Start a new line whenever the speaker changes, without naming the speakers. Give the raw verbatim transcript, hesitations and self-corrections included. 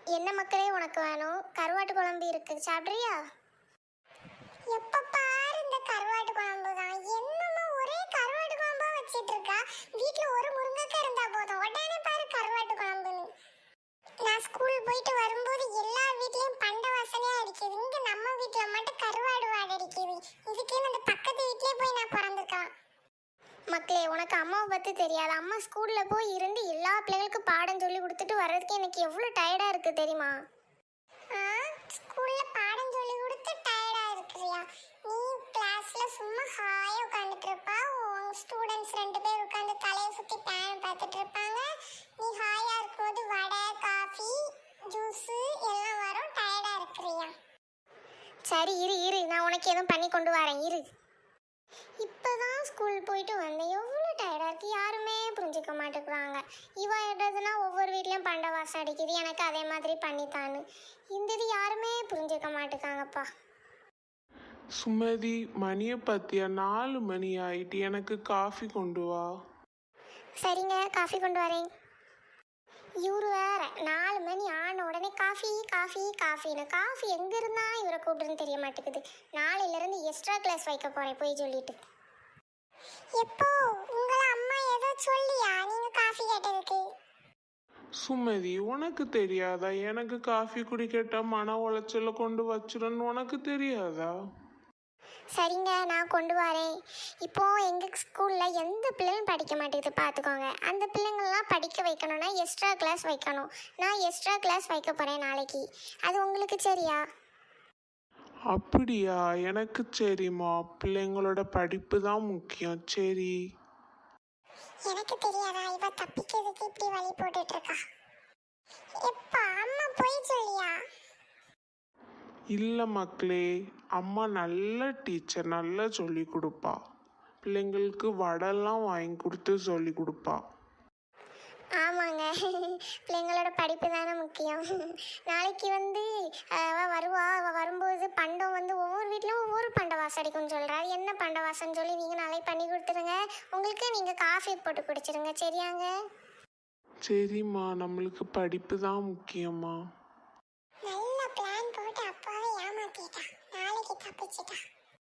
என்ன மக்களே உனக்கு வேணும்? கருவாட்டு குழம்பு இருக்கு, சாப்பிட்றியா?
எப்ப பாரு இந்த கருவாட்டு குழம்பு தான். என்னமா ஒரே கருவாட்டு குழம்பா வச்சிட்டு இருக்கா? வீட்ல ஒரு முருங்கைக்காய் இருந்தா போதும், உடனே பாரு கருவாட்டு குழம்புன்னு. நான் ஸ்கூல் போயிட்டு வரும்போது எல்லா வீட்லயும் பண்ட வாசனையா அடிக்குது. இங்க நம்ம வீட்ல மட்டும் கருவாடு வாடை அடிக்குது. இதுக்கே அந்த பக்கத்து வீட்லயே போய் நான் பிறந்திருக்கலாம்.
மக்களே உனக்கு அம்மாவை பற்றி தெரியாது. அம்மா ஸ்கூலில் போய் இருந்து எல்லா பிள்ளைகளுக்கும் பாடம் சொல்லி கொடுத்துட்டு வர்றதுக்கு எனக்கு எவ்வளோ டயர்டாக இருக்குது தெரியுமா?
ஆ, ஸ்கூல்ல பாடம் சொல்லி கொடுத்து டயர்டா இருக்கிறியா? நீ கிளாஸ்ல சும்மா ஹாயா உட்கார்ந்துட்டு இருப்பா. உன் ஸ்டூடெண்ட்ஸ் ரெண்டு பேர் உட்கார்ந்து தலையை சுத்தி பேன் பார்த்துட்டு இருப்பாங்க. நீ ஹாயா இருக்கும்போது வடை, காஃபி, ஜூஸ் எல்லாம் வரும். டயர்டா இருக்கிறியா?
சரி இரு இரு, நான் உனக்கு எதுவும் பண்ணி கொண்டு வரேன் இரு. இப்போ தான் ஸ்கூல் போயிட்டு வந்தேன், எவ்வளோ டயர்டாக இருக்குது. யாருமே புரிஞ்சிக்க மாட்டேங்கிறாங்க. இவ எடுறதுனா ஒவ்வொரு வீட்லேயும் பண்ட வாசம் அடிக்குது, எனக்கு அதே மாதிரி பண்ணித்தான்னு. இந்த இது யாருமே புரிஞ்சிக்க மாட்டேங்காங்கப்பா.
சுமதி, மணியை பத்தியா? நாலு மணி ஆயிட்டு, எனக்கு காஃபி கொண்டு வா.
சரிங்க, காஃபி கொண்டு வரேன். இவரு வேற நாலு மணி ஆன உடனே காஃபி காஃபி காஃபின்னு. காஃபி எங்க இருந்தா இவரை கூப்பிடுன்னு தெரிய மாட்டேங்குது. நாளையில இருந்து எக்ஸ்ட்ரா கிளாஸ் வைக்க போறேன் போய் சொல்லிட்டு.
எப்போ உங்கள அம்மா ஏதோ சொல்லியா நீங்க காஃபி கேட்டதுக்கு?
சுமதி, உனக்கு தெரியாதா எனக்கு காஃபி குடிக்கட்ட மன உளைச்சல கொண்டு வச்சிருன்னு? உனக்கு தெரியாதா?
சரிங்க, நான் கொண்டு வரேன். இப்போ எங்கள் ஸ்கூலில் எந்த பிள்ளையும் படிக்க மாட்டேங்குது பார்த்துக்கோங்க. அந்த பிள்ளைங்கள்லாம் படிக்க வைக்கணும்னா எக்ஸ்ட்ரா கிளாஸ் வைக்கணும். நான் எக்ஸ்ட்ரா கிளாஸ் வைக்க போகிறேன் நாளைக்கு. அது உங்களுக்கு சரியா?
அப்படியா? எனக்கு சரிம்மா, பிள்ளைங்களோட படிப்பு தான் முக்கியம். சரி.
எனக்கு தெரியாதா இவ தப்பிக்கிறதுக்கு இப்படி வழி போட்டுட்டு இருக்கா? எப்பா அம்மா போய் சொல்லியா?
இல்லை மக்களே, அம்மா நல்ல டீச்சர், நல்லா சொல்லி கொடுப்பா. பிள்ளைங்களுக்கு வடைலாம் வாங்கி கொடுத்து சொல்லி கொடுப்பா.
ஆமாங்க, பிள்ளைங்களோட படிப்பு தானே முக்கியம். நாளைக்கு வந்து அவள் வருவா. அவள் வரும்போது பண்டம் வந்து ஒவ்வொரு வீட்லையும் ஒவ்வொரு பண்ட வாசம் அடிக்கும்னு சொல்கிறா. அது என்ன பண்ட வாசம்னு சொல்லி நீங்கள் நாளைக்கு பண்ணி கொடுத்துருங்க. உங்களுக்கு நீங்கள் காஃபி போட்டு குடிச்சிருங்க, சரியாங்க?
சரிம்மா, நம்மளுக்கு படிப்பு தான் முக்கியம்மா.